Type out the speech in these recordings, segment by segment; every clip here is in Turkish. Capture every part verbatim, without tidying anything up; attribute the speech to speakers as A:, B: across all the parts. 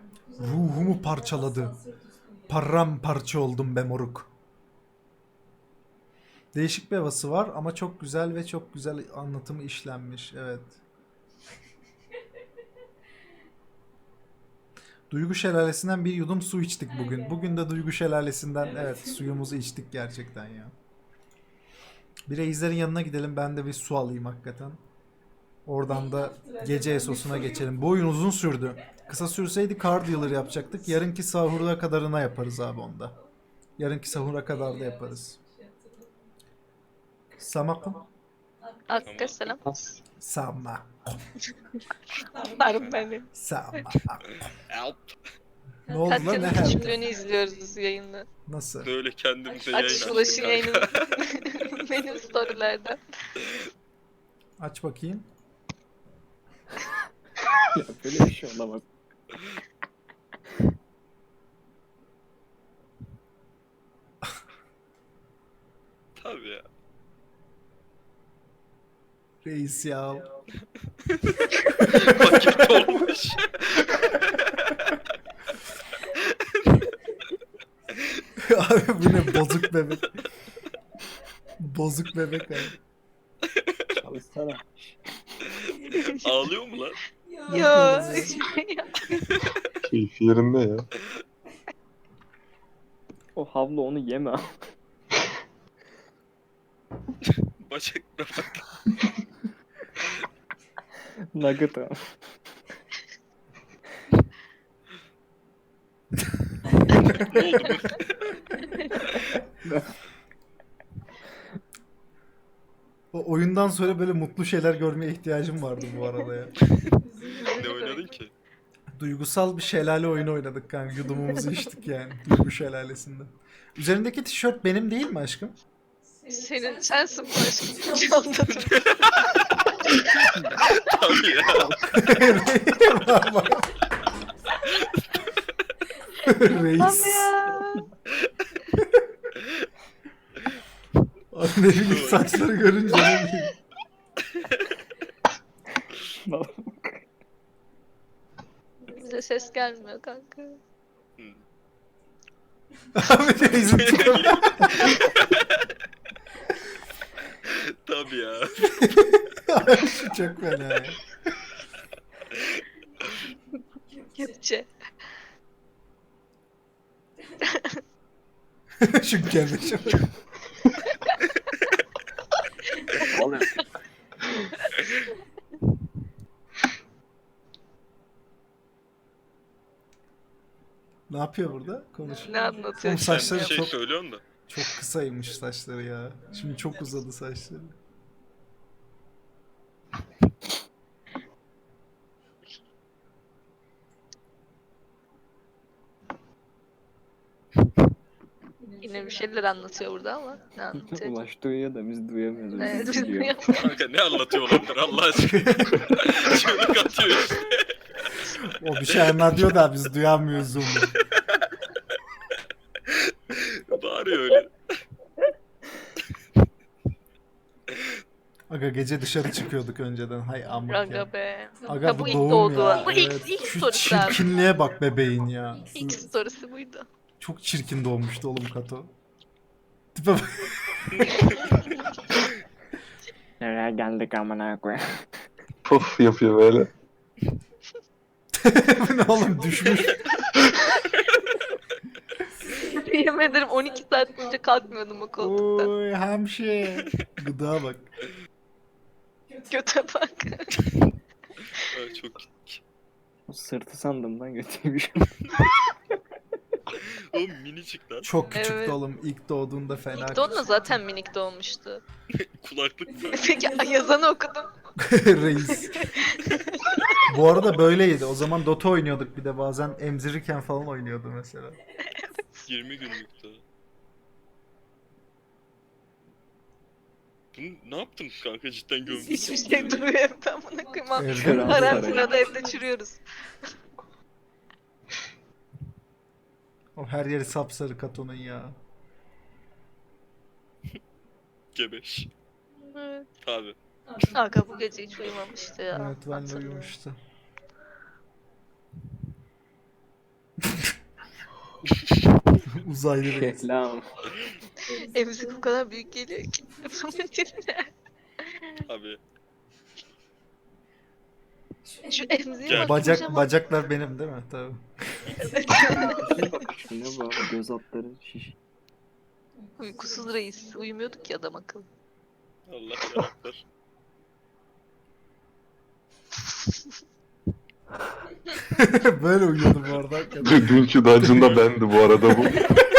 A: Ruhumu parçaladı. Paramparça oldum be moruk. Değişik bir havası var ama çok güzel ve çok güzel anlatımı işlenmiş. Evet. Duygu Şelalesi'nden bir yudum su içtik bugün. Bugün de Duygu Şelalesi'nden evet suyumuzu içtik gerçekten ya. Bir reislerin yanına gidelim, ben de bir su alayım hakikaten. Oradan da gece esosuna geçelim. Bu oyun uzun sürdü. Kısa sürseydi card dealer yapacaktık. Yarınki sahura kadarına yaparız abi onda. Yarınki sahura kadar da yaparız. Samakum.
B: Hakkı selam.
A: Sama.
B: Tanrım benim.
A: Sama.
C: Help.
A: Ne oldu lan, ne
B: Katya'nın
A: help?
B: küçümlüğünü izliyoruz biz yayında.
A: Nasıl?
C: Böyle kendimize
B: Aç
C: yayın
B: şu Ulaş'ın
C: açtık
B: yayını.
C: kanka.
B: Benim storylerden.
A: Aç bakayım.
D: Ya böyle bir şey olamaz.
C: Tabii ya.
A: Reis ya.
C: Vakit olmuş.
A: Abi bu ne bozuk bebek. Bozuk bebek abi.
D: Çalışsana.
C: Ağlıyor mu lan?
B: Yo. hiçbir şey yok.
E: Keyfi yerinde ya.
D: O havlu onu yeme.
C: Bacakına bak.
D: Nugget ha.
C: Ne oldu bu?
A: O oyundan sonra böyle mutlu şeyler görmeye ihtiyacım vardı bu arada ya.
C: Ne oynadın ki?
A: Duygusal bir şelale oyunu oynadık kanka. Yudumumuzu içtik yani. Duygu şelalesinde. Üzerindeki tişört benim değil mi aşkım?
B: Senin sensin bu aşkım. Çaldadım.
C: Tabii ya.
A: Var var. Reis.
B: ya.
A: Abi ne bileyim, saçları görünce ne bileyim.
B: Bize ses gelmiyor kanka.
A: Abi reisin tipi.
C: Tabii ya.
A: Abi şu çok fena ya.
B: Kepçe.
A: Şu gelmişim.
D: Oluyor.
A: Ne yapıyor burada? Konuşuyor.
B: Ne anlatıyor?
A: Oğlum
C: Sen
A: saçları
C: bir şey
A: çok
C: söylüyorsun da.
A: çok kısaymış saçları ya. Şimdi çok uzadı saçları.
B: Yine bir şeyler anlatıyor burada ama ne anlatıyor?
D: Ulaş duyuyor da biz duyamıyoruz.
B: Evet,
D: Biz
B: biz
D: duyuyor.
B: duyuyoruz.
C: Kanka ne anlatıyor olabilir Allah aşkına. Çığlık atıyor işte.
A: O bir şey anlatıyor da biz duyamıyoruz onu.
C: Bağırıyor öyle.
A: Aga gece dışarı çıkıyorduk önceden. Hay amk ya.
B: Aga be.
A: Aga
B: Ya
A: bu
B: bu ilk
A: doğum
B: doğdu.
A: ya.
B: Bu ilk,
A: Evet.
B: ilk
A: Şu
B: story'si abi.
A: çirkinliğe bak bebeğin ya.
B: İlk story'si buydu.
A: Çok çirkin doğmuştu oğlum Kato. Tipe bak.
D: Nereye geldik amına koyayım.
E: Puf yapıyor böyle.
A: Bu ne oğlum, düşmüş.
B: Yemin ederim on iki saat boyunca kalkmıyordum o koltuktan.
A: Oy hemşire. Gıda bak.
B: Göte bak.
C: Ha, çok
D: Sırtı sandım lan götüymüş.
C: Oğlum minicik lan.
A: Çok küçüktü
B: Evet.
A: oğlum. İlk doğduğunda fena.
B: İlk doğduğunda zaten minik doğmuştu.
C: Kulaklık mı?
B: Peki yazanı okudum.
A: Reis. Bu arada böyleydi. O zaman Dota oynuyorduk bir de, bazen emzirirken falan oynuyordu mesela.
C: yirmi günlüktü. Bunu ne yaptın kanka, cidden gömdün?
B: Hiçbir şey duruyor evde amına koyayım.
A: Evde
D: Şöyle
B: Karantinada evde çürüyoruz.
A: O her yeri sapsarı Kato'nun ya.
C: Gebeş.
B: Evet.
C: Abi.
B: Aga bu gece hiç uyumamıştı ya.
A: Evet, ben de
B: Hatırlıyorum.
A: uyumuştu. Uzaylı reis.
D: Reklam.
B: Emzik o kadar büyük geliyor ki.
C: Abi.
B: Şu emziğe
C: Gel.
B: bak.
A: Bacak
B: kocaman.
A: bacaklar benim değil mi? Tabii.
D: Şu ne bu abi? Göz altları şiş.
B: Uykusuz reis. Uyumuyorduk ya adam akıllı.
C: Allah yaratır.
A: Böyle uyuyordum bu arada. hakikaten.
E: Dün- Dünkü dungeon'da bendi bu arada bu.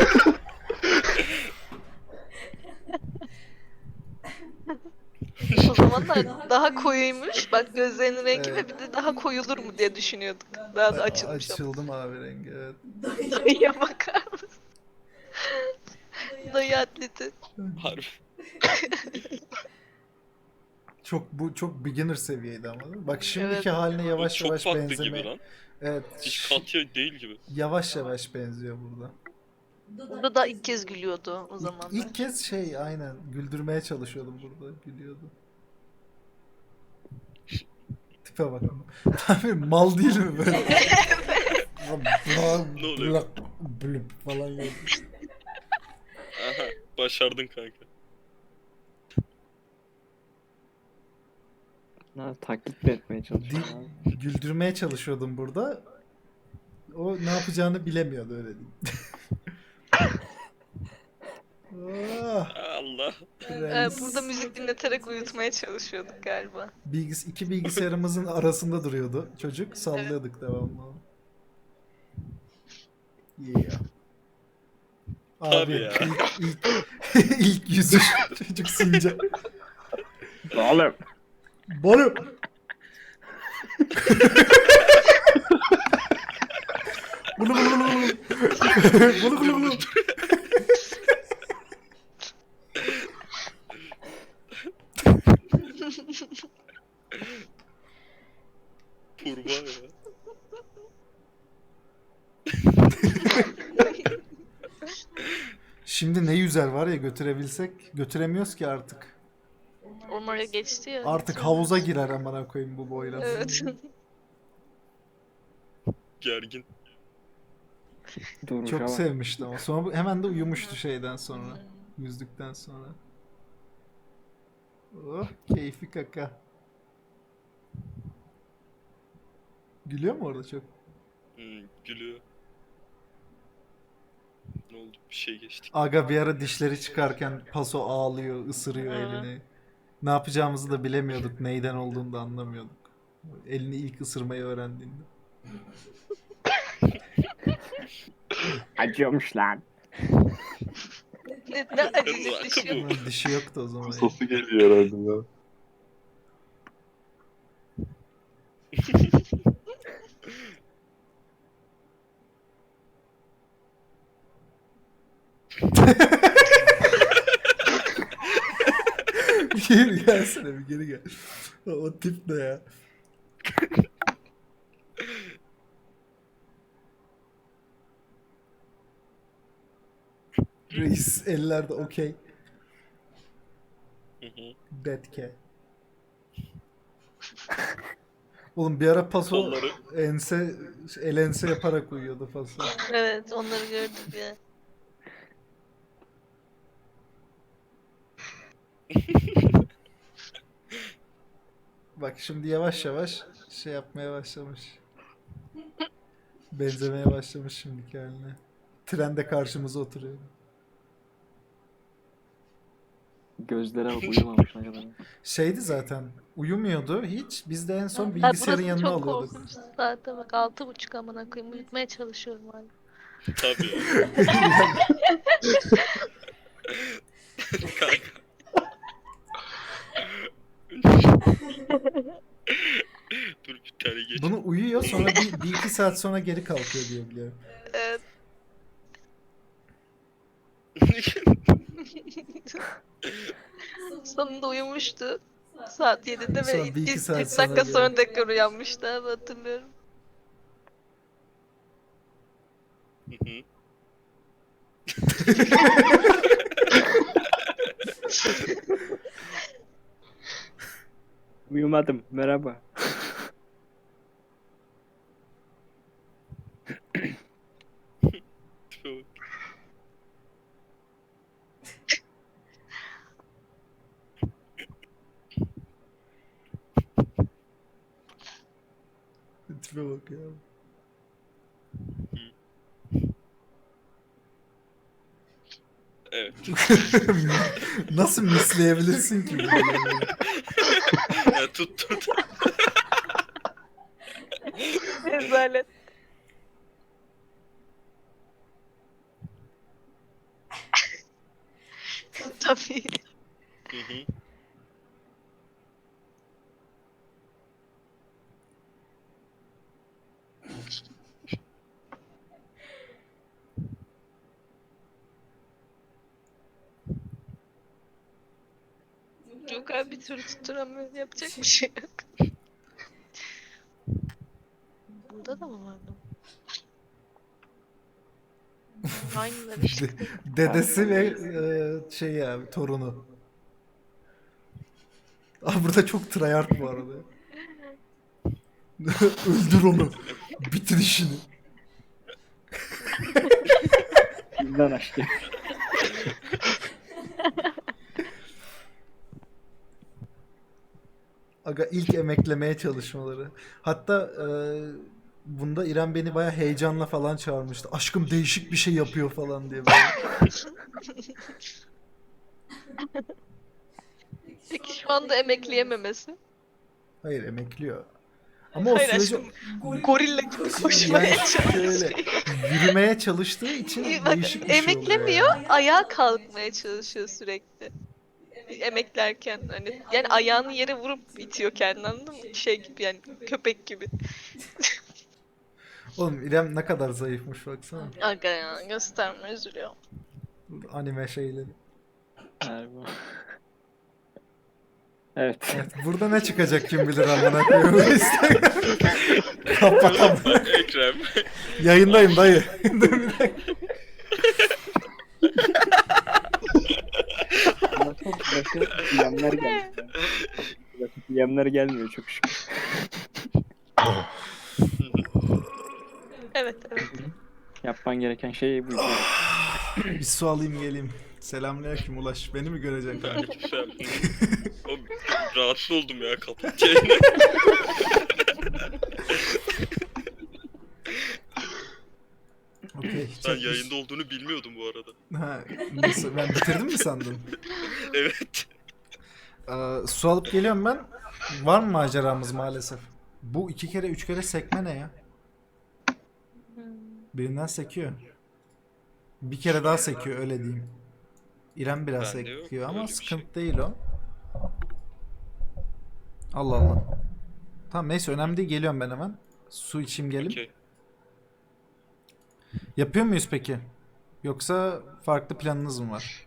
B: O zamanlar daha koyuymuş. Bak gözlerinin rengi
A: Evet.
B: ve bir de daha koyulur mu diye düşünüyorduk. Daha da açılmış ama.
A: Açıldım abi rengi evet.
B: Dayıya bakar mısın? Dayı atleti.
C: Harbi.
A: Çok bu çok beginner seviyeydi ama. değil mi? Bak şimdiki
B: Evet.
A: haline
C: Bu
A: yavaş
C: çok
A: yavaş
C: farklı
A: benzeme.
C: gibi lan.
A: Evet.
C: Hiç
A: ş-
C: Katya değil gibi.
A: Yavaş yavaş benziyor burada.
B: Burada da ilk kez gülüyordu o
A: İlk,
B: zamanlar.
A: ilk kez şey aynen güldürmeye çalışıyordum burada. Gülüyordu. Tipe bak. Tabii mal değil mi böyle?
C: Ne oluyor?
A: Blüp falan yapıyor.
C: Aha. Başardın kanka.
D: Ha, taklit mi etmeye çalışıyor abi?
A: Güldürmeye çalışıyordum burada. O ne yapacağını bilemiyordu öyle diyeyim. Ah,
C: Allah.
B: Ee,
A: reis.
B: burada müzik dinleterek uyutmaya çalışıyorduk galiba.
A: Bilgis iki bilgisayarımızın arasında duruyordu çocuk. Sallıyorduk devamlı. Yeah. Abi
C: Tabii ya.
A: ilk, ilk, ilk yüzü çocuk sinca.
D: Oğlum.
A: Balım. Bunu bunu bunu bunu. Bunu bunu bunu.
C: Kurbağa ya.
A: Şimdi ne yüzer var ya götürebilsek götüremiyoruz ki artık.
B: Ormaya geçti ya.
A: Artık havuza girer amına koyayım bu boyla.
B: Evet.
C: Gergin.
D: Duruşa
A: Çok
D: bak.
A: sevmişti ama sonra bu- hemen de uyumuştu şeyden sonra. Yüzdükten sonra. Oh keyfi kaka. Gülüyor mu orada çok?
C: Hmm, gülüyor. Ne oldu? Bir şey geçtik.
A: Aga bir ara dişleri çıkarken paso ağlıyor, ısırıyor
B: Hı.
A: elini. Ne yapacağımızı da bilemiyorduk. Neyden olduğunu da anlamıyorduk. Elini ilk ısırmayı öğrendiğinde.
D: Acıyormuş lan.
B: Ne, ne acıcık
C: Rakı
B: düşüyor.
C: bu.
A: Ama dişi yoktu o zaman.
E: Sosu geliyor herhalde ya.
A: Bir geri gelsene bir geri gel. O, o tip ne ya? Reis ellerde okey.
C: Hı hı.
A: Betke. Oğlum bir ara paso
C: Kolları.
A: ense el ense yaparak uyuyordu paso.
B: Evet onları gördük ya.
A: Bak şimdi yavaş yavaş şey yapmaya başlamış. Benzemeye başlamış şimdiki haline. Trende karşımıza oturuyor.
D: Gözlere bak uyumamış ne kadar.
A: Şeydi zaten uyumuyordu hiç. Biz de en son
B: Ha,
A: bilgisayarın
B: burası
A: yanına
B: çok
A: alıyorduk.
B: korkunç. Saate bak altı buçuk amına koyayım. Uyutmaya çalışıyorum hala.
C: Tabii ya. Kanka. Dur bir tane geç.
A: Bunu uyuyor sonra bir, bir iki saat sonra geri kalkıyor diye biliyorum.
B: Evet. Sonunda uyumuştu. Saat yedide
A: Sonra
B: ve
A: bir iki
B: ilk
A: saat
B: kırk
A: sonra
B: dakika
A: geldi.
B: sonra tekrar uyanmıştı abi hatırlıyorum.
C: Hı hı.
D: Uyumadım. Merhaba.
C: Tipe bak.
A: yok ya.
C: Evet.
A: Nasıl misleyebilirsin ki? bunu?
C: Ya, tut tut.
B: Rezalet. Tabii.
C: Hı hı.
B: Yok abi bir türlü tutturamıyorum. Yapacak bir şey yok. Bunda da mı vardı? Aynıları işte.
A: De- Dedesi ve e, şey abi torunu. Aa, burada çok tryhard bu arada. Öldür onu. Bitir işini.
D: Bizden aşkı.
A: Aga ilk emeklemeye çalışmaları. Hatta e, bunda İrem beni baya heyecanla falan çağırmıştı. Aşkım değişik bir şey yapıyor falan diye böyle.
B: Peki şu anda emekleyememesi.
A: Hayır emekliyor. Ama o
B: Hayır
A: süreci
B: aşkım. Gorilla gibi koşmaya
A: yani
B: çalışıyor.
A: şöyle yürümeye çalıştığı için
B: Bak,
A: değişik bir şey oluyor.
B: emeklemiyor,
A: yani.
B: ayağa kalkmaya çalışıyor sürekli. Emeklerken hani yani ayağını yere vurup itiyor kendini anladın mı? Şey gibi yani köpek gibi.
A: Oğlum İrem ne kadar zayıfmış baksana.
B: Aga ya gösterme üzülüyor.
A: Anime şeyleri.
D: Harbi. Evet.
A: Evet, burada ne çıkacak kim bilir amına koyayım. Bu Instagram. Kapatam.
C: Ekrem.
A: Yayındayım dayı. Dur bir dakika.
D: Ama çok bırakı yemler gelmiyor. Bırakı yemler gelmiyor çok şükür.
B: Evet evet.
D: Yapman gereken şey bu.
A: Bir su alayım geleyim. Selamünaleyküm Ulaş. Beni mi göreceksin kanka?
C: Aleykümselam. Oğlum, rahatsız oldum ya kapat yayını.
A: Okey.
C: Ben
A: çok
C: yayında olduğunu bilmiyordum bu arada.
A: Ha, nasıl? Ben bitirdim mi sandın?
C: Evet.
A: Ee, su alıp geliyorum ben. Var mı maceramız maalesef? Bu iki kere üç kere sekme ne ya? Birinden sekiyor. Bir kere daha sekiyor öyle diyeyim. İrem biraz
C: Bende yok
A: sekiyor ama
C: öyle bir
A: sıkıntı
C: şey.
A: değil o. Allah Allah. Tamam neyse önemli değil geliyorum ben hemen. Su içeyim gelip.
C: Okey.
A: Yapıyor muyuz peki? Yoksa farklı planınız mı var?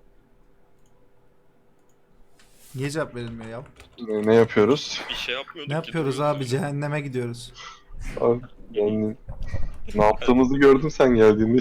A: Niye cevap verilmiyor ya?
E: Ne, ne yapıyoruz?
C: Bir şey yapmıyorduk
A: Ne
C: ki,
A: yapıyoruz
C: duruyoruz
A: abi?
C: öyle.
A: Cehenneme gidiyoruz.
E: Abi, yani ne yaptığımızı gördün sen geldiğinde